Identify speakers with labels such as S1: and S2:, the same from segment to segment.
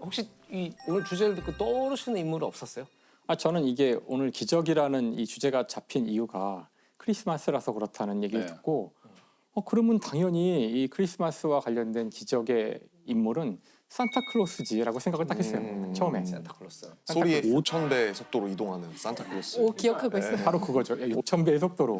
S1: 혹시 이 오늘 주제를 듣고 떠오르시는 인물은 없었어요?
S2: 저는 이게 오늘 기적이라는 이 주제가 잡힌 이유가 크리스마스라서 그렇다는 얘기를
S3: 네.
S2: 듣고 그러면 당연히 이 크리스마스와 관련된 기적의 인물은 산타클로스지라고 생각을 딱 했어요. 처음에.
S1: 산타클로스.
S4: 소리의 5,000배 속도로 이동하는 산타클로스.
S5: 오, 기억하고 있어요.
S2: 바로 그거죠. 5,000배의 속도로.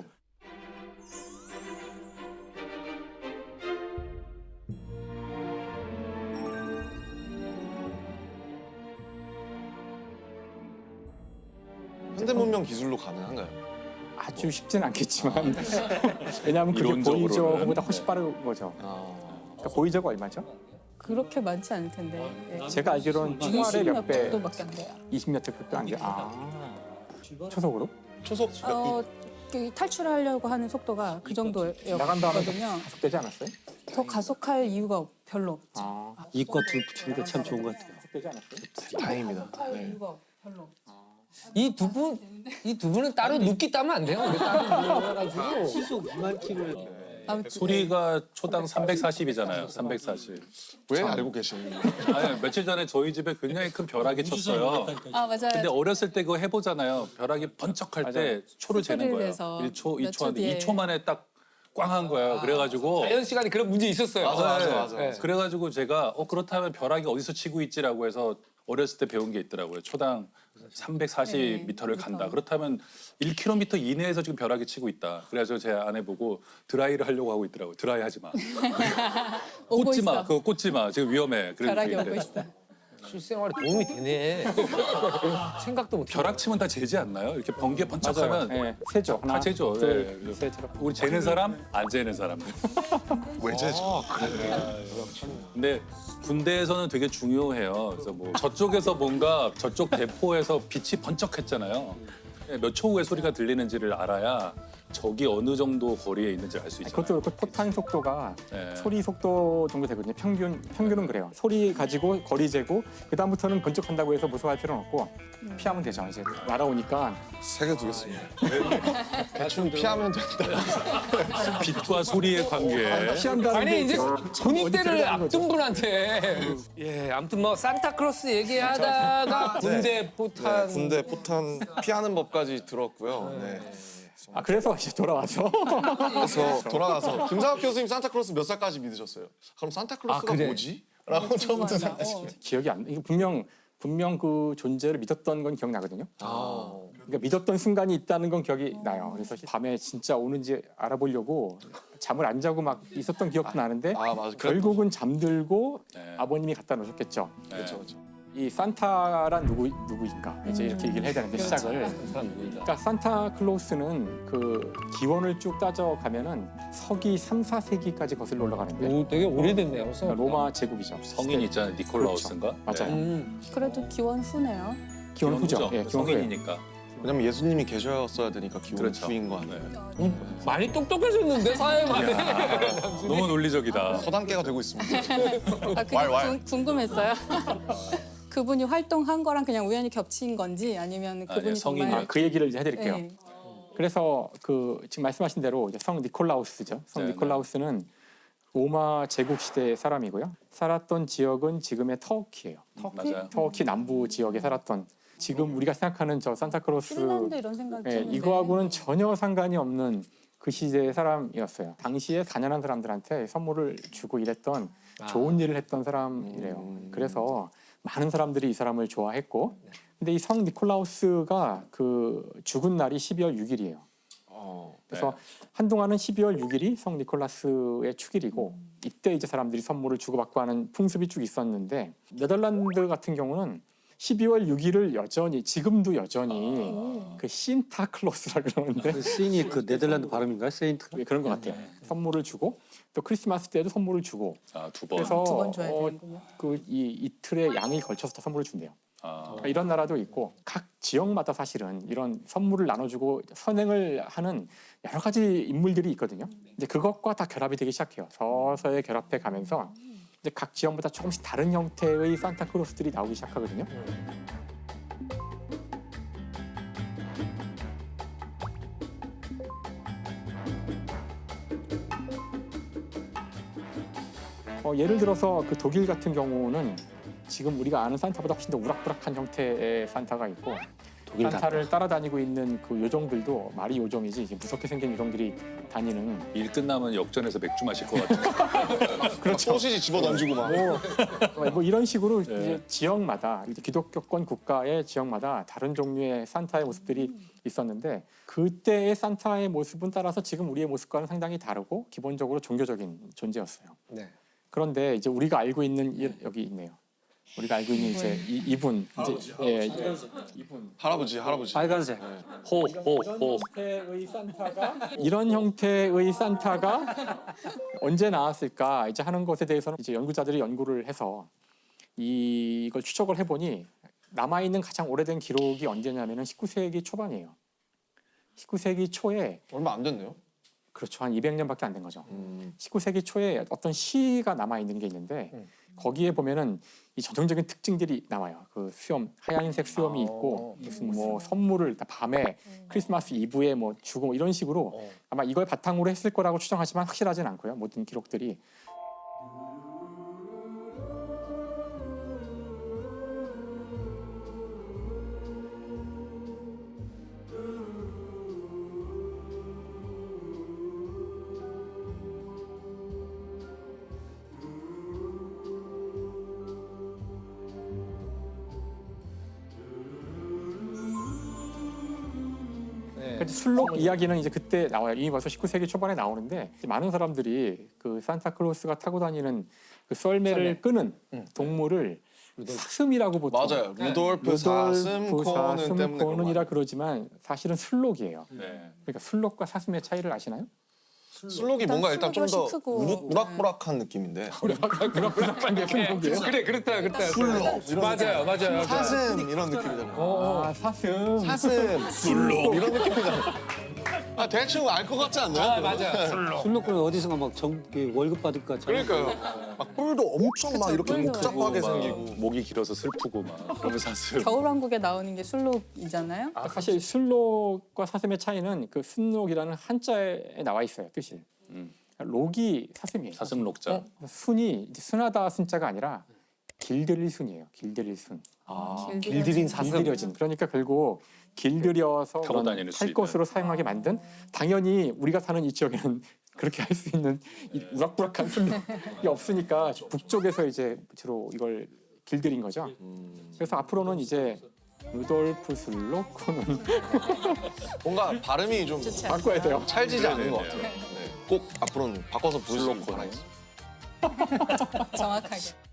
S4: 현대문명 기술로 가능한가요?
S2: 아주 쉽지는 않겠지만 왜냐하면 그게
S3: 이론적으로는.
S2: 보이저보다 훨씬 빠른 거죠.
S4: 아,
S2: 그러니까 보이저가 얼마죠?
S5: 그렇게 많지 않을 텐데. 예.
S2: 제가 알기로는 총알의
S5: 20몇
S2: 몇 배,
S5: 정도밖에 안 돼요.
S2: 20몇 배 안 돼요. 초속으로?
S4: 초속
S5: 그 탈출하려고 하는 속도가 그
S2: 나간 다음에
S5: 정도였거든요.
S2: 가속되지 않았어요?
S5: 더 가속할 이유가 별로 없죠.
S1: 이과 둘 붙이니까 참 좋은 것 같아요.
S2: 가속되지 않았어요?
S4: 다행입니다.
S5: 가속할 이유가 별로 없죠.
S1: 이 두 분은 따로 눕기 따면 안 돼요. 우리 따로 누워가지고 시속 2만 킬로.
S5: 아무튼
S3: 소리가 초당 340이잖아요. 340.
S4: 왜 알고 계시는 거예요?
S3: 아니, 며칠 전에 저희 집에 굉장히 큰 벼락이 쳤어요.
S5: 아 맞아요.
S3: 근데 어렸을 때 그거 해보잖아요. 벼락이 번쩍할 때 초를 재는
S5: 소리를
S3: 거예요.
S5: 내서
S3: 1초,
S5: 몇
S3: 2초
S5: 초
S3: 하는데
S5: 뒤에.
S3: 2초 만에 딱 꽝 한 거예요. 그래가지고
S1: 자연 시간에 그런 문제 있었어요.
S4: 맞아.
S1: 네.
S3: 그래가지고 제가 그렇다면 벼락이 어디서 치고 있지라고 해서 어렸을 때 배운 게 있더라고요. 초당 340m를 간다. 그렇다면 1km 이내에서 지금 벼락이 치고 있다. 그래서 제 아내 보고 드라이를 하려고 하고 있더라고요. 드라이 하지 마.
S5: 오고
S3: 꽂지 마.
S5: 있어.
S3: 그거 꽂지 마. 지금 위험해. 그래서
S5: 벼락이
S3: 그랬는데
S5: 오고 있어.
S1: 실생활에 도움이 되네. 생각도 못.
S3: 벼락 치면 다 재지 않나요? 이렇게 번개 번쩍하면
S2: 예, 세죠.
S3: 다 재죠.
S2: 둘,
S3: 예.
S2: 셋.
S3: 우리 재는 사람, 안 재는 사람.
S4: 왜 재죠?
S3: 근데 군대에서는 되게 중요해요. 그래서 뭐 저쪽에서 뭔가 저쪽 대포에서 빛이 번쩍했잖아요. 몇 초 후에 소리가 들리는지를 알아야 적이 어느 정도 거리에 있는지 알 수 있잖아요.
S2: 그것도 그렇고 포탄 속도가
S3: 네.
S2: 소리 속도 정도 되거든요. 평균은 그래요. 소리 가지고 거리 재고 그 다음부터는 번쩍한다고 해서 무서워할 필요는 없고 피하면 되죠. 이제 날아오니까
S4: 세 개 두겠습니다. 대충 피하면 된다.
S3: 빛과 소리의 관계.
S2: 피한다는
S1: 아니
S2: 게
S1: 이제
S2: 어디
S1: 군입대를
S2: 들어가는 거죠?
S1: 앞둔 분한테 예 아무튼 뭐 산타클로스 얘기하다가 군대 포탄
S4: 군대 포탄 피하는 법까지 들었고요. 네.
S2: 그래서 이제 돌아와서
S4: 그래서 돌아가서 김상학 교수님 산타클로스 몇 살까지 믿으셨어요? 그럼 산타클로스가
S1: 그래.
S4: 뭐지? 라고 처음부터
S5: 맞아.
S4: 생각하시죠.
S2: 기억이 안 나. 이거 분명 그 존재를 믿었던 건 기억나거든요. 그러니까 믿었던 순간이 있다는 건 기억이 나요. 그래서 밤에 진짜 오는지 알아보려고 잠을 안 자고 막 있었던 기억도 나는데
S4: 맞아.
S2: 결국은 잠들고
S3: 네.
S2: 아버님이 갖다 놓으셨겠죠.
S4: 그렇죠.
S2: 이 산타란 누구인가 이제 이렇게 얘기를 해야 되는데 시작을.
S1: 사람 누구인가?
S2: 그러니까 산타클로스는 그 기원을 쭉 따져가면은 서기 3, 4세기까지 거슬러 올라가는데
S1: 오 되게 오래됐네요.
S2: 그러니까 로마 제국이죠.
S3: 성인 있잖아요. 니콜라우스인가?
S2: 맞아요.
S3: 네.
S5: 그래도 기원 후네요.
S2: 기원 후죠.
S3: 후죠.
S2: 예, 기원 후예요.
S3: 성인이니까.
S4: 왜냐면 예수님이 계셨어야 되니까 기원
S3: 그렇죠.
S4: 후인 거 아니에요?
S3: 네.
S1: 많이 똑똑해졌는데 사회 만에.
S3: 너무 논리적이다.
S4: 서당계가 되고 있습니다.
S5: 그게
S4: 왈.
S5: 궁금했어요. 그분이 활동한 거랑 그냥 우연히 겹친 건지 아니면 그분이
S3: 아니요, 성인이.
S5: 정말
S2: 그 얘기를 이제 해드릴게요.
S5: 네.
S2: 그래서 그 지금 말씀하신 대로 이제 성 니콜라우스죠. 성
S3: 네,
S2: 니콜라우스는 로마 제국 시대의 사람이고요. 살았던 지역은 지금의 터키예요.
S3: 맞아요.
S2: 터키 남부 지역에 살았던 지금 우리가 생각하는 저 산타클로스
S5: 핀란드 이런 생각
S2: 예,
S5: 드는데
S2: 이거하고는 전혀 상관이 없는 그 시대의 사람이었어요. 당시에 가난한 사람들한테 선물을 주고 이랬던 좋은 일을 했던 사람이래요. 그래서 많은 사람들이 이 사람을 좋아했고, 근데 이 성 니콜라우스가 그 죽은 날이 12월 6일이에요. 그래서 한동안은 12월 6일이 성 니콜라스의 축일이고 이때 이제 사람들이 선물을 주고받고 하는 풍습이 쭉 있었는데 네덜란드 같은 경우는 12월 6일을 지금도 여전히 그 신타클로스라 그러는데
S6: 그 시인이 그 네덜란드 발음인가요? 세인트?
S2: 그런 것 같아요. 선물을 주고 또 크리스마스 때도 선물을 주고
S3: 두 번.
S2: 그래서
S5: 두번 줘야 되는군요.
S2: 그 이틀의 양이 걸쳐서 다 선물을 준대요. 그러니까 이런 나라도 있고 각 지역마다 사실은 이런 선물을 나눠주고 선행을 하는 여러 가지 인물들이 있거든요. 이제 그것과 다 결합이 되기 시작해요. 서서히 결합해 가면서 이제 각 지역마다 조금씩 다른 형태의 산타클로스들이 나오기 시작하거든요. 예를 들어서 그 독일 같은 경우는 지금 우리가 아는 산타보다 훨씬 더 우락부락한 형태의 산타가 있고
S6: 독일
S2: 산타를 따라다니고 있는 그 요정들도 말이 요정이지 이게 무섭게 생긴 요정들이 다니는
S3: 일 끝나면 역전해서 맥주 마실 것 같은.
S4: 그렇죠. 소시지 집어 던지고 막.
S2: 뭐 이런 식으로 이제 지역마다 이제 기독교권 국가의 지역마다 다른 종류의 산타의 모습들이 있었는데 그때의 산타의 모습은 따라서 지금 우리의 모습과는 상당히 다르고 기본적으로 종교적인 존재였어요.
S1: 네.
S2: 그런데 이제 우리가 알고 있는 여기 있네요. 우리가 알고 있는 이제 이분 이제 이분
S4: 할아버지.
S6: 빨간색.
S3: 호.
S2: 형태의 산타가 이런 형태의 산타가 언제 나왔을까 이제 하는 것에 대해서는 이제 연구자들이 연구를 해서 이걸 추적을 해보니 남아 있는 가장 오래된 기록이 언제냐면은 19세기 초반이에요. 19세기 초에
S4: 얼마 안 됐네요.
S2: 그렇죠. 한 200년밖에 안 된 거죠. 19세기 초에 어떤 시가 남아 있는 게 있는데 거기에 보면은 이 전형적인 특징들이 나와요. 그 수염, 하얀색 수염이 있고 무슨 뭐 선물을 밤에 크리스마스 이브에 뭐 주고 뭐 이런 식으로 아마 이걸 바탕으로 했을 거라고 추정하지만 확실하진 않고요. 모든 기록들이. 그러니까 술록 이야기는 이제 그때 나와요. 이미 벌써 19세기 초반에 나오는데 많은 사람들이 그 산타클로스가 타고 다니는 그 썰매를 끄는 동물을 사슴이라고 보통
S4: 맞아요. 루돌프 사슴 때문에
S2: 코는이라 그러지만 사실은 술록이에요.
S3: 네.
S2: 그러니까 술록과 사슴의 차이를 아시나요?
S4: 술록이 뭔가 일단 좀 더
S5: 술록이 크고.
S4: 우락부락한 느낌인데.
S2: 우락부락한 게 술록이에요?
S1: 그래 그렇다. 맞아요.
S4: 사슴 이런 느낌이잖아요.
S2: 아 사슴.
S4: 사슴, 술록 이런 느낌이잖아요. 아 대충 알 것 같지 않나요?
S1: 맞아.
S6: 술록은 어디선가 막 월급 받을 것 같잖아요.
S4: 그러니까요. 막 뿔도 엄청 막 이렇게
S5: 뿔도
S4: 복잡하게
S3: 막
S4: 생기고.
S3: 목이 길어서 슬프고 막 그러면 사슴.
S5: 겨울왕국에 나오는 게 술록이잖아요.
S2: 사실 술록과 사슴의 차이는 그 순록이라는 한자에 나와 있어요 뜻이. 록이 사슴이에요.
S3: 사슴 녹자.
S2: 순이 이제 순하다 순자가 아니라 길들일 순이에요. 길들일 순.
S5: 길들인
S2: 길들여진. 그러니까 결국 길들여서
S3: 타고 다니는 수
S2: 탈
S3: 있는.
S2: 것으로 사용하게 만든 당연히 우리가 사는 이 지역에는 그렇게 할 수 있는 이 우락부락한 순록이 없으니까 북쪽에서 이제 주로 이걸 길들인 거죠. 그래서 앞으로는 이제 루돌프 술록코는
S4: 뭔가 발음이 좀
S2: 바꿔야 돼요.
S4: 찰지지 않는 것 같아요. 네. 꼭 앞으로는 바꿔서 부르시길 바라겠습니다.
S5: 정확하게.